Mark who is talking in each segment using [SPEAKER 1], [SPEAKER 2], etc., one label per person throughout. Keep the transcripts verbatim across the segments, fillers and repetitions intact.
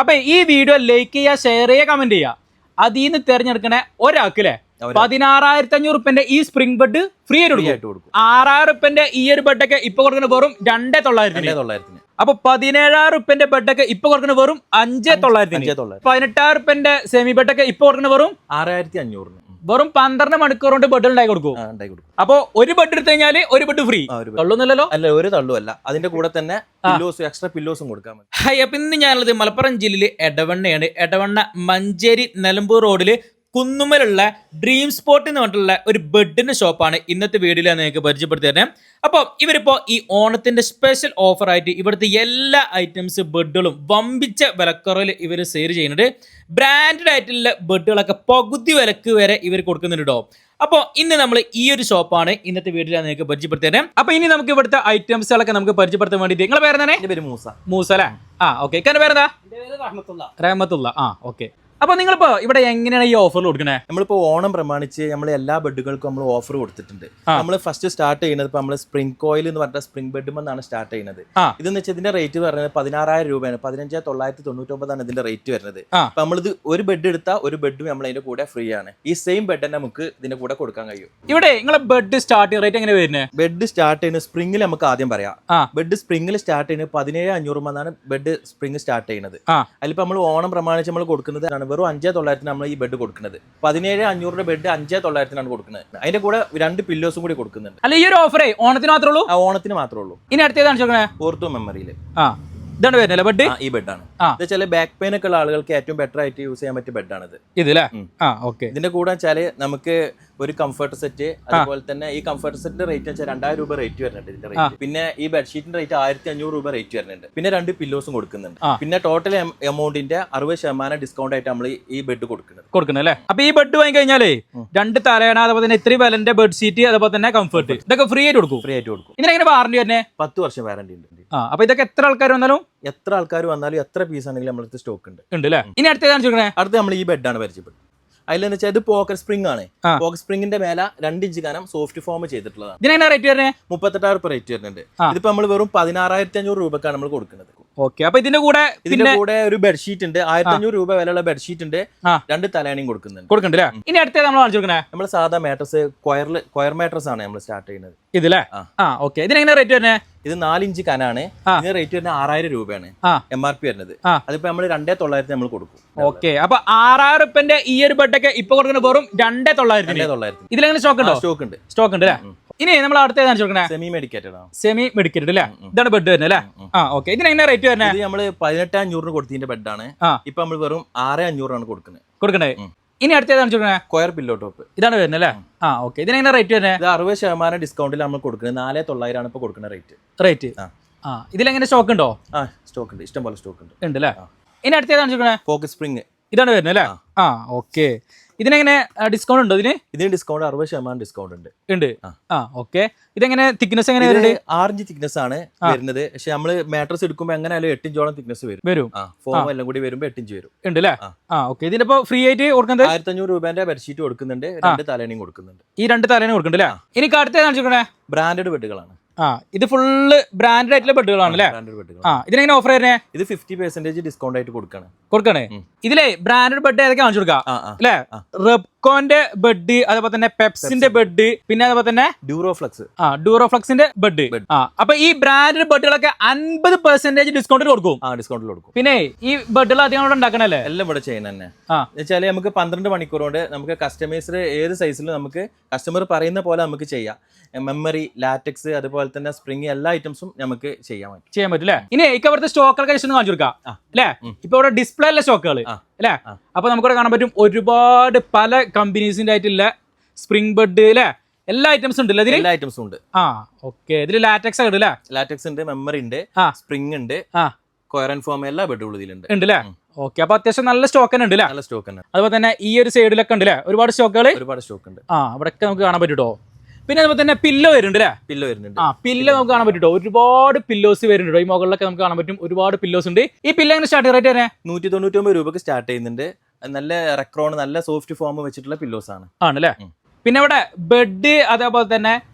[SPEAKER 1] അപ്പൊ ഈ video like ചെയ്യുക, ഷെയർ ചെയ്യുക, കമന്റ് ചെയ്യുക. അതിൽ നിന്ന് തെരഞ്ഞെടുക്കണ ഒരാൾക്കില്ലേ പതിനാറായിരത്തി അഞ്ഞൂറ് റുപ്യന്റെ ഈ സ്പ്രിംഗ് ബെഡ് ഫ്രീ ആയിട്ട് കൊടുക്കും. ആറായിരം റുപ്യന്റെ ഈ ഒരു ബെഡൊക്കെ ഇപ്പൊ കൊടുക്കുന്ന വെറും രണ്ടേ തൊള്ളായിരത്തിന്. അപ്പൊ പതിനേഴായിരം റുപ്യന്റെ ബെഡൊക്കെ ഇപ്പൊ കൊടുക്കുന്ന വെറും അഞ്ചേ തൊള്ളായിരത്തിന്. പതിനെട്ടായിരം റുപ്യന്റെ സെമി ബെഡൊക്കെ ഇപ്പൊ കൊടുക്കുന്ന വെറും ആറായിരത്തി അഞ്ഞൂറിന്. വെറും പന്ത്രണ്ട് മണിക്കൂർ കൊണ്ട് ബെഡ് ഉണ്ടായി കൊടുക്കും. അപ്പൊ ഒരു ബെഡ് എടുത്തു കഴിഞ്ഞാല് ഒരു ബെഡ് ഫ്രീ. തള്ളുന്നില്ലല്ലോ? അല്ല, ഒരു തള്ളുമല്ല. അതിന്റെ കൂടെ തന്നെ പില്ലോസ്, എക്സ്ട്രാ പില്ലോസും കൊടുക്കാൻ പറ്റും. ഹൈ, അപ്പൊ ഇന്ന് ഞാനുള്ളത് മലപ്പുറം ജില്ലയിലെ എടവണ്ണയാണ്. എടവണ്ണ മഞ്ചേരി നിലമ്പൂർ റോഡില് കുന്നുമ്മലുള്ള ഡ്രീം സ്പോട്ട് എന്ന് പറഞ്ഞിട്ടുള്ള ഒരു ബെഡിന്റെ ഷോപ്പാണ് ഇന്നത്തെ വീഡിയോയിൽ ഞാൻ നിങ്ങൾക്ക് പരിചയപ്പെടുത്തി തരുന്നത്. അപ്പോൾ ഇവരിപ്പോൾ ഈ ഓണത്തിന്റെ സ്പെഷ്യൽ ഓഫർ ആയിട്ട് ഇവിടുത്തെ എല്ലാ ഐറ്റംസ് ബെഡുകളും വമ്പിച്ച വിലക്കുറവിൽ ഇവർ സെയിൽ ചെയ്യുന്നുണ്ട്. ബ്രാൻഡഡ് ആയിട്ടുള്ള ബെഡുകളൊക്കെ പകുതി വിലക്ക് വരെ ഇവർ കൊടുക്കുന്നുണ്ടോ. അപ്പോൾ ഇന്ന് നമ്മൾ ഈ ഒരു ഷോപ്പാണ് ഇന്നത്തെ വീഡിയോയിൽ ഞാൻ നിങ്ങൾക്ക് പരിചയപ്പെടുത്തി തരുന്നത്. അപ്പൊ ഇനി നമുക്ക് ഇവിടുത്തെ ഐറ്റംസുകളൊക്കെ നമുക്ക് പരിചയപ്പെടുത്താൻ വേണ്ടിയിട്ട് നിങ്ങളെ പേരെന്താണ്? എന്റെ പേര് മൂസ. മൂസ അല്ലേ? ആ, ഓക്കെ. ഇക്കാന്റെ പേരെന്താ? റഹ്മത്തുള്ള. ആ, ഓക്കെ. അപ്പൊ നിങ്ങളിപ്പോ ഇവിടെ എങ്ങനെയാണ് ഈ ഓഫർ കൊടുക്കണേ?
[SPEAKER 2] നമ്മളിപ്പോ ഓണം പ്രമാണിച്ച് നമ്മൾ എല്ലാ ബെഡുകൾക്കും നമ്മൾ ഓഫർ കൊടുത്തിട്ടുണ്ട്. നമ്മൾ ഫസ്റ്റ് സ്റ്റാർട്ട് ചെയ്യുന്നത് ഇപ്പൊ നമ്മള് സ്പ്രിംഗ് കോയിൽ എന്ന് പറഞ്ഞ സ്പ്രിംഗ് ബെഡ് എന്നാണ് സ്റ്റാർട്ട് ചെയ്യുന്നത്. ഇതെന്ന് വെച്ചാൽ ഇതിന്റെ റേറ്റ് പറയുന്നത് പതിനാറായിരം രൂപയാണ്. പതിനഞ്ചേ തൊള്ളായിരത്തി തൊണ്ണൂറ്റി ഒമ്പതാണ് ഇതിന്റെ റേറ്റ് വരുന്നത്. അപ്പൊ നമ്മളിത് ഒരു ബെഡ് എടുത്താൽ ഒരു ബെഡും നമ്മൾ അതിന്റെ കൂടെ ഫ്രീ ആണ്. ഈ സെയിം ബെഡ് തന്നെ നമുക്ക് ഇതിന്റെ കൂടെ കൊടുക്കാൻ കഴിയും.
[SPEAKER 1] ഇവിടെ നിങ്ങളെ ബെഡ് സ്റ്റാർട്ടിംഗ് റേറ്റ് എങ്ങനെ വരുന്നത്?
[SPEAKER 2] ബെഡ് സ്റ്റാർട്ട് ചെയ്യുന്നത് സ്പ്രിംഗിൽ നമുക്ക് ആദ്യം പറയാം. ബെഡ് സ്പ്രിംഗിൽ സ്റ്റാർട്ട് ചെയ്യുന്നത് പതിനേഴ് അഞ്ഞൂറ് എന്നാണ് ബെഡ് സ്പ്രിംഗ് സ്റ്റാർട്ട് ചെയ്യുന്നത്. അതിലിപ്പോ നമ്മൾ ഓണം പ്രമാണിച്ച് നമ്മൾ കൊടുക്കുന്നത് വെറും അഞ്ചേ തൊള്ളായിരത്തിന് നമ്മൾ ഈ ബെഡ് കൊടുക്കുന്നത്. പതിനേഴ് അഞ്ഞൂറിന്റെ ബെഡ് അഞ്ചേ തൊള്ളായിരത്തിനാണ് കൊടുക്കുന്നത്. അതിന്റെ കൂടെ രണ്ട് പില്ലോസും കൂടി കൊടുക്കുന്നുണ്ട്.
[SPEAKER 1] അല്ല, ഈ ഒരു ഓഫറേ ഓണത്തിന് മാത്രമേ ഉള്ളൂ?
[SPEAKER 2] ഓണത്തിന് മാത്രമേ ഉള്ളൂ.
[SPEAKER 1] ഇനി അടുത്തേതാണ്
[SPEAKER 2] ഓർത്തോ മെമ്മറിയില്
[SPEAKER 1] ഇതാണ് വരുന്നത് ബെഡ്.
[SPEAKER 2] ഈ ബെഡാണ്. ചില ബാക്ക് പെയിൻ ഒക്കെ ഉള്ള ആളുകൾക്ക് ഏറ്റവും ബെറ്റർ ആയിട്ട് യൂസ് ചെയ്യാൻ പറ്റിയ ബെഡാണിത്.
[SPEAKER 1] ഇതില്ലേ?
[SPEAKER 2] ഇതിന്റെ കൂടെ വെച്ചാല് നമുക്ക് ഒരു കംഫർട്ട് സെറ്റ്, അതുപോലെ തന്നെ ഈ കംഫർട്ട് സെറ്റിന്റെ റേറ്റ് വെച്ചാൽ രണ്ടായിരം രൂപ റേറ്റ് വരുന്നുണ്ട് ഇതിന്റെ റേറ്റ്. പിന്നെ ഈ ബെഡ്ഷീറ്റിന്റെ റേറ്റ് ആയിരത്തി അഞ്ഞൂറ് രൂപ റേറ്റ് വരുന്നുണ്ട്. പിന്നെ രണ്ട് പില്ലോസും കൊടുക്കുന്നുണ്ട്. പിന്നെ ടോട്ടൽ എമൗണ്ടിന്റെ അറുപത് ശതമാനം ഡിസ്കൗണ്ട് ആയിട്ട് നമ്മൾ ഈ ബെഡ് കൊടുക്കുന്നത്
[SPEAKER 1] കൊടുക്കുന്നത് അല്ലേ? അപ്പൊ ഈ ബെഡ് വാങ്ങി കഴിഞ്ഞാലേ രണ്ട് തലയണ, അതുപോലെ തന്നെ ഇത്രയും വിലന്റെ ബെഡ്ഷീറ്റ്, അതുപോലെ തന്നെ കംഫർട്ട്, ഇതൊക്കെ ഫ്രീ ആയിട്ട് കൊടുക്കും.
[SPEAKER 2] ഫ്രീ ആയിട്ട് കൊടുക്കും.
[SPEAKER 1] ഇതിനെങ്ങനെ വാറണ്ടി തന്നെ?
[SPEAKER 2] പത്ത് വർഷം വാറണ്ടി ഉണ്ട്.
[SPEAKER 1] അപ്പൊ ഇതൊക്കെ എത്ര ആൾക്കാർ വന്നാലും
[SPEAKER 2] എത്ര ആൾക്കാർ വന്നാലും എത്ര പീസ് ആണെങ്കിലും നമ്മളടുത്ത് സ്റ്റോക്ക് ഉണ്ട്
[SPEAKER 1] ഉണ്ട് അല്ലേ? ഇനി അടുത്തേതാണ്
[SPEAKER 2] അടുത്ത് നമ്മൾ ഈ ബെഡാണ് പരിചയപ്പെട്ടത്. അതിലെന്ന് വെച്ചാൽ ഇത് പോക്കറ്റ് സ്പ്രിംഗ് ആണ്. പോക്കറ്റ് സ്പ്രിംഗിന്റെ മേലെ രണ്ട് ഇഞ്ച് കനം സോഫ്റ്റ് ഫോം ചെയ്തിട്ടുള്ളതാണ്.
[SPEAKER 1] ഇതിനെങ്ങനെ റേറ്റ് വരുന്നത്?
[SPEAKER 2] മുപ്പത്തെട്ടായിരം രൂപ റേറ്റ് വരുന്നുണ്ട്. ഇതിപ്പോ നമ്മൾ വെറും പതിനാറായിരത്തി അഞ്ഞൂറ് രൂപക്കാണ് നമ്മൾ കൊടുക്കുന്നത്.
[SPEAKER 1] ഓക്കെ. അപ്പൊ ഇതിന്റെ കൂടെ
[SPEAKER 2] ഇതിന്റെ കൂടെ ഒരു ബെഡ്ഷീറ്റ് ഉണ്ട്. ആയിരത്തി അഞ്ഞൂറ് രൂപ വിലയുള്ള ബെഡ്ഷീറ്റ് ഉണ്ട്. രണ്ട് തലേണയും കൊടുക്കുന്നുണ്ട്
[SPEAKER 1] കൊടുക്കുന്നുണ്ട് ഇനി അടുത്ത നമ്മൾ കാണിച്ചോക്കണേ.
[SPEAKER 2] നമ്മൾ സാധാ മാട്രസ് കൊയറിൽ കൊയർ മാട്രസ് ആണ് നമ്മൾ സ്റ്റാർട്ട് ചെയ്യുന്നത്.
[SPEAKER 1] ഇതില്ലേ? ഓക്കെ. ഇതിനെങ്ങനെ റേറ്റ് വരുന്നത്?
[SPEAKER 2] ഇത് നാലിഞ്ച് കനാണ്. ഇതിന് റേറ്റ് വരുന്നത് ആറായിരം രൂപയാണ് എം ആർ പി വരുന്നത്. അതിപ്പോ നമ്മൾ രണ്ടേ തൊള്ളായിരത്തി നമ്മൾ കൊടുക്കും.
[SPEAKER 1] ഓക്കെ. അപ്പൊ ആറായിരം റുപ്യന്റെ ഈ ഒരു ബെഡൊക്കെ ഇപ്പൊ കൊടുക്കുന്ന വെറും രണ്ടേ തൊള്ളായിരത്തി തൊള്ളായിരത്തി ഇതിലെങ്ങനെ സ്റ്റോക്ക് ഉണ്ടോ?
[SPEAKER 2] സ്റ്റോക്ക് ഉണ്ട്.
[SPEAKER 1] സ്റ്റോക്ക് ഉണ്ട് അല്ലേ? ഇനി നമ്മൾ അടുത്ത
[SPEAKER 2] സെമി മെഡിക്കേറ്റഡ് ആണ്.
[SPEAKER 1] സെമി മെഡിക്കേറ്റഡ് അല്ലേ? ഇതാണ് ബെഡ് വരുന്നത് അല്ലേ? ആ, ഓക്കെ. ഇതിനെങ്ങനെ റേറ്റ് വരുന്നത്?
[SPEAKER 2] ഇത് നമ്മള് പതിനെട്ട് അഞ്ഞൂറിന് കൊടുത്തതിന്റെ ബെഡാണ്. ഇപ്പൊ നമ്മൾ വെറും ആറ് അഞ്ഞൂറാണ് കൊടുക്കുന്നത്
[SPEAKER 1] കൊടുക്കണ്ടേ? ഇനി അടുത്തേതാണ്
[SPEAKER 2] കൊയർ പില്ലോ ടോപ്പ്.
[SPEAKER 1] ഇതാണ് വരുന്നത് അല്ലേ? ആ, ഓക്കെ. ഇതിനെങ്ങനെ റേറ്റ് വരുന്നത്?
[SPEAKER 2] ഇത് അറുപത് ശതമാനം ഡിസ്കൗണ്ടിൽ നമ്മൾ കൊടുക്കുന്നത് നാല് തൊള്ളായിരം ആണ് ഇപ്പൊ കൊടുക്കുന്ന റേറ്റ്.
[SPEAKER 1] റേറ്റ് ആ, ഇതിലെങ്ങനെ സ്റ്റോക്ക് ഉണ്ടോ?
[SPEAKER 2] ആ, സ്റ്റോക്ക് ഉണ്ട്. ഇഷ്ടം പോലെ സ്റ്റോക്ക് ഉണ്ട്.
[SPEAKER 1] ഉണ്ട് അല്ലേ? ഇനി അടുത്തേതാണ്
[SPEAKER 2] പോക്കറ്റ് സ്പ്രിംഗ്.
[SPEAKER 1] ഇതാണ് വരുന്നത് അല്ലേ? ആ, ഓക്കെ. ഇതിനെങ്ങനെ ഡിസ്കൗണ്ട് ഉണ്ടോ? ഇതിന്
[SPEAKER 2] ഇതിന് ഡിസ്കൗണ്ട് അറുപത് ശതമാനം ഡിസ്കൗണ്ട് ഉണ്ട്.
[SPEAKER 1] ഉണ്ട്. ആ, ഓക്കെ. ഇതെങ്ങനെ തിക്നെസ് എങ്ങനെ വരുന്നത്?
[SPEAKER 2] ആറിഞ്ച് തിക്നെസ് ആണ് വരുന്നത്. പക്ഷെ നമ്മള് മാട്രസ് എടുക്കുമ്പോൾ എങ്ങനെയാലും എട്ടിഞ്ചോളം തിക്നെസ് വരും വരും ഫോം എല്ലാം കൂടി വരുമ്പോൾ എട്ടിഞ്ച് വരും.
[SPEAKER 1] ഉണ്ട് അല്ലേ? ആ, ഓക്കെ. ഇതിനിപ്പോ ഫ്രീ ആയിട്ട് കൊടുക്കുന്നത്
[SPEAKER 2] ആയിരത്തി അഞ്ഞൂറ് രൂപന്റെ ബെഡ്ഷീറ്റ് കൊടുക്കുന്നുണ്ട്. രണ്ട് തലേണയും കൊടുക്കുന്നുണ്ട്.
[SPEAKER 1] ഈ രണ്ട് തലേണയും കൊടുക്കുന്നുണ്ട് അല്ലേ? എനിക്ക് അടുത്തേതാണ്
[SPEAKER 2] ബ്രാൻഡഡ് ബെഡുകളാണ്.
[SPEAKER 1] ആ, ഇത് ഫുള്ള് ബ്രാൻഡഡ് ആയിട്ടുള്ള ബെഡുകളാണ് അല്ലേ? ആ, ഇതിനെങ്ങനെ ഓഫർ വരുന്നത്?
[SPEAKER 2] ഇത് ഫിഫ്റ്റി പെർസെന്റേജ് ഡിസ്കൗണ്ട് ആയിട്ട് കൊടുക്കാണ്
[SPEAKER 1] കൊടുക്കണേ. ഇതിലെ ബ്രാൻഡഡ് ബെഡ് ഏതൊക്കെ കാണിച്ചു കൊടുക്കാം അല്ലേ? റെപ്കോന്റെ ബെഡ്, അതുപോലെ തന്നെ പെപ്സിന്റെ ബെഡ്, പിന്നെ അതുപോലെ തന്നെ
[SPEAKER 2] ഡ്യൂറോഫ്ലക്സ്.
[SPEAKER 1] ആ, ഡ്യൂറോഫ്ലക്സിന്റെ ബെഡ്. ആ, അപ്പൊ ഈ ബ്രാൻഡഡ് ബെഡുകളൊക്കെ അൻപത് പെർസെന്റേജ് ഡിസ്കൗണ്ടിൽ കൊടുക്കും.
[SPEAKER 2] ആ, ഡിസ്കൗണ്ടിൽ കൊടുക്കും.
[SPEAKER 1] പിന്നെ ഈ ബെഡുകൾ അധികം ഇവിടെ ഉണ്ടാക്കണല്ലേ?
[SPEAKER 2] എല്ലാം ഇവിടെ ചെയ്യുന്ന തന്നെ. വെച്ചാല് നമുക്ക് പന്ത്രണ്ട് മണിക്കൂർ കൊണ്ട് നമുക്ക് കസ്റ്റമൈസർ ഏത് സൈസിലും നമുക്ക് കസ്റ്റമർ പറയുന്ന പോലെ നമുക്ക് ചെയ്യാം. മെമ്മറി, ലാറ്റക്സ്, അതുപോലെ തന്നെ സ്പ്രിംഗ്, എല്ലാ ഐറ്റംസും നമുക്ക് ചെയ്യാൻ പറ്റും ചെയ്യാൻ
[SPEAKER 1] പറ്റില്ലേ? ഇനി എനിക്ക് അവിടുത്തെ സ്റ്റോക്കുകളൊക്കെ ജസ്റ്റ് ഒന്ന് കാണിച്ചു കൊടുക്കാം അല്ലേ? ഇപ്പൊ ഇവിടെ ഡിസ്പ്ലേ അല്ല സ്റ്റോക്കുകൾ അല്ലേ? അപ്പൊ നമുക്കിവിടെ കാണാൻ പറ്റും ഒരുപാട് പല കമ്പനീസിന്റെ ആയിട്ടുള്ള സ്പ്രിംഗ് ബെഡ് അല്ലേ? എല്ലാ ഐറ്റംസും ഉണ്ട്.
[SPEAKER 2] എല്ലാ ഐറ്റംസും ഉണ്ട്.
[SPEAKER 1] ആ, ഓക്കെ. ഇതിൽ ലാറ്റക്സ് ഒക്കെ ഉണ്ട്.
[SPEAKER 2] ലാറ്റക്സ് ഉണ്ട്, മെമ്മറി ഉണ്ട്, സ്പ്രിംഗ് ഉണ്ട്, കൊയർ ആൻഡ് ഫോം, എല്ലാ ബെഡുകളും ഇതിലുണ്ട്.
[SPEAKER 1] ഉണ്ട് അല്ലേ? ഓക്കെ. അപ്പൊ അത്യാവശ്യം നല്ല സ്റ്റോക്ക് തന്നെ ഉണ്ട്.
[SPEAKER 2] നല്ല സ്റ്റോക്ക് തന്നെ.
[SPEAKER 1] അതുപോലെ തന്നെ ഈ ഒരു സൈഡിലൊക്കെ ഉണ്ട് അല്ലേ? ഒരുപാട് സ്റ്റോക്കുകൾ
[SPEAKER 2] ഒരുപാട് സ്റ്റോക്ക് ഉണ്ട്.
[SPEAKER 1] ആ, അവിടെയൊക്കെ നമുക്ക് കാണാൻ പറ്റൂട്ടോ. പിന്നെ അതുപോലെ തന്നെ പില്ലോ വരുന്നുണ്ട് അല്ലേ?
[SPEAKER 2] പില്ലോ വരുന്നുണ്ട്.
[SPEAKER 1] ആ, പില്ലോ നമുക്ക് കാണാൻ പറ്റൂട്ടോ. ഒരുപാട് പില്ലോസ് വരുന്നുണ്ട്. ഈ മുകളിലൊക്കെ നമുക്ക് കാണാൻ പറ്റും ഒരുപാട് പില്ലോസ് ഉണ്ട്. ഈ പില്ലോ എങ്ങനെ സ്റ്റാർട്ട് റേറ്റ് തന്നെ?
[SPEAKER 2] നൂറ്റി തൊണ്ണൂറ്റി ഒമ്പത് രൂപക്ക് സ്റ്റാർട്ട് ചെയ്യുന്നുണ്ട്. നല്ല റെക്രോൺ, നല്ല സോഫ്റ്റ് ഫോം വെച്ചിട്ടുള്ള പില്ലോസ് ആണ്
[SPEAKER 1] ആണല്ലേ? പിന്നെ ഇവിടെ ബെഡ്, അതേപോലെ തന്നെ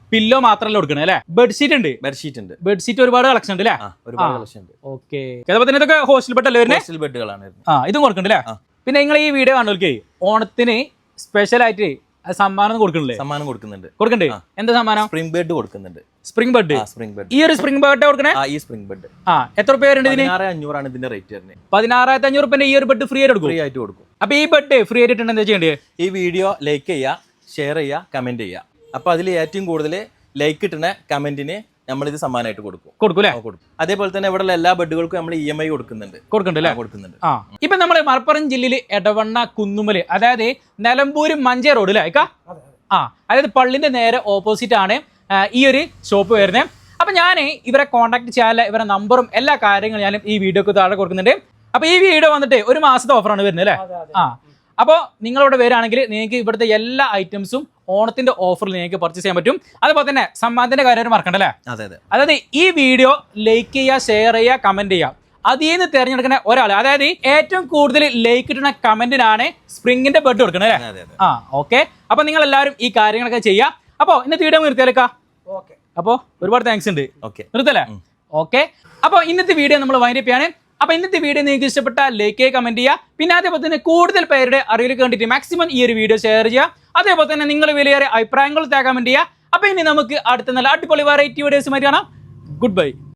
[SPEAKER 1] പില്ലോ മാത്രമല്ല കൊടുക്കണേ അല്ലേ? ബെഡ്ഷീറ്റ് ഉണ്ട്,
[SPEAKER 2] ബെഡ്ഷീറ്റ് ഉണ്ട്,
[SPEAKER 1] ബെഡ്ഷീറ്റ് ഒരുപാട് കളക്ഷൻ ഉണ്ട് അല്ലേ?
[SPEAKER 2] ഒരുപാട് കളക്ഷൻ ഉണ്ട്.
[SPEAKER 1] ഓക്കെ, അതുപോലെ തന്നെ ഇതൊക്കെ ഹോസ്റ്റൽ ബെഡ് അല്ലേ വരുന്നത്?
[SPEAKER 2] ഹോസ്റ്റൽ ബെഡുകളാണ്.
[SPEAKER 1] ആ, ഇതും കൊടുക്കണ്ടല്ലേ? പിന്നെ നിങ്ങൾ ഈ വീഡിയോ കാണുന്നവർക്ക് ഓണത്തിന് സ്പെഷ്യൽ ആയിട്ട് സമ്മാനം കൊടുക്കണില്ലേ? സമ്മാനം കൊടുക്കുന്നുണ്ട്. കൊടുക്കണ്ടേ? എന്താ സമ്മാനം? സ്പ്രിംഗ് ബെഡ് കൊടുക്കുന്നുണ്ട്. Spring bed, spring bed. ഈ ഒരു സ്പ്രിംഗ് ബെഡ് കൊടുക്കണേ? ഈ സ്പ്രിംഗ് ബെഡ് ആ എത്ര രൂപ വരുന്നുണ്ട് ഇതിന്? പതിനാറ് അഞ്ഞൂറാണ് ഇതിന്റെ റേറ്റ് വരുന്നത്. പതിനാറായിരത്തി അഞ്ഞൂറ് റുപ്യന്റെ ഈ ഒരു ബെഡ് ഫ്രീ ആയിട്ട് കൊടുക്കും? ഫ്രീ ആയിട്ട് കൊടുക്കും. അപ്പൊ ഈ ബെഡ് ഫ്രീ ആയിട്ട് എന്താ ചെയ്യേണ്ടത്? ഈ വീഡിയോ ലൈക്ക് ചെയ്യുക, ഷെയർ ചെയ്യുക, കമന്റ് ചെയ്യുക. അപ്പൊ അതിൽ ഏറ്റവും കൂടുതൽ ലൈക്ക് കിട്ടുന്ന കമന്റിന് നമ്മളിത് സമ്മാനമായിട്ട് കൊടുക്കും. കൊടുക്കും അല്ലേ? കൊടുക്കും. അതേപോലെ തന്നെ ഇവിടെ എല്ലാ ബെഡുകൾക്കും നമ്മൾ ഇ എം ഐ കൊടുക്കുന്നുണ്ട്. കൊടുക്കണ്ടല്ലേ? കൊടുക്കുന്നുണ്ട്. ആ, ഇപ്പൊ നമ്മള് മലപ്പുറം ജില്ലയിൽ എടവണ്ണ കുന്നുമല്, അതായത് നിലമ്പൂര് മഞ്ചേ റോഡ് അല്ലേ? ആ, അതായത് പള്ളിന്റെ നേരെ ഓപ്പോസിറ്റ് ആണ് ഈ ഒരു ഷോപ്പ് വരുന്നത്. അപ്പൊ ഞാൻ ഇവരെ കോൺടാക്ട് ചെയ്യാനുള്ള ഇവരെ നമ്പറും എല്ലാ കാര്യങ്ങളും ഞാൻ ഈ വീഡിയോക്ക് താഴെ കൊടുക്കുന്നുണ്ട്. അപ്പൊ ഈ വീഡിയോ വന്നിട്ട് ഒരു മാസത്തെ ഓഫറാണ് വരുന്നത് അല്ലേ? ആ, അപ്പോൾ നിങ്ങളിവിടെ വരികയാണെങ്കിൽ നിങ്ങൾക്ക് ഇവിടുത്തെ എല്ലാ ഐറ്റംസും ഓണത്തിന്റെ ഓഫറിൽ നിങ്ങൾക്ക് പർച്ചേസ് ചെയ്യാൻ പറ്റും. അതുപോലെ തന്നെ സമ്മാനത്തിന്റെ കാര്യം മറക്കണ്ടല്ലേ? അതെ അതെ. അതായത് ഈ വീഡിയോ ലൈക്ക് ചെയ്യുക, ഷെയർ ചെയ്യുക, കമന്റ് ചെയ്യുക. അതിൽ നിന്ന് തിരഞ്ഞെടുക്കുന്ന ഒരാൾ, അതായത് ഏറ്റവും കൂടുതൽ ലൈക്ക് കിട്ടുന്ന കമന്റിനാണ് സ്പ്രിംഗിന്റെ ബെഡ് കൊടുക്കുന്നത് അല്ലേ? ആ, ഓക്കെ. അപ്പൊ നിങ്ങൾ എല്ലാവരും ഈ കാര്യങ്ങളൊക്കെ ചെയ്യാം. അപ്പോ ഇന്നത്തെ വീഡിയോ നിർത്തിയാലേക്കാ? ഓക്കെ. അപ്പോൾ ഒരുപാട് താങ്ക്സ് ഉണ്ട്. ഓക്കെ, നിർത്തല്ലേ? ഓക്കെ. അപ്പോൾ ഇന്നത്തെ വീഡിയോ നമ്മൾ വൈൻഡ് അപ്പ് ചെയ്യാണ്. അപ്പൊ ഇന്നത്തെ വീഡിയോ നിങ്ങൾക്ക് ഇഷ്ടപ്പെട്ട ലൈക്ക് ചെയ്യുക, കമന്റ് ചെയ്യുക. പിന്നെ അതേപോലെ തന്നെ കൂടുതൽ പേരുടെ അറിവിലേക്ക് വേണ്ടിയിട്ട് മാക്സിമം ഈ ഒരു വീഡിയോ ഷെയർ ചെയ്യുക. അതേപോലെ തന്നെ നിങ്ങൾ വലിയ അഭിപ്രായങ്ങൾ കമന്റ് ചെയ്യുക. അപ്പൊ ഇനി നമുക്ക് അടുത്ത നല്ല അടിപൊളി വെറൈറ്റി വീഡിയോസുമായി കാണാം. Good by.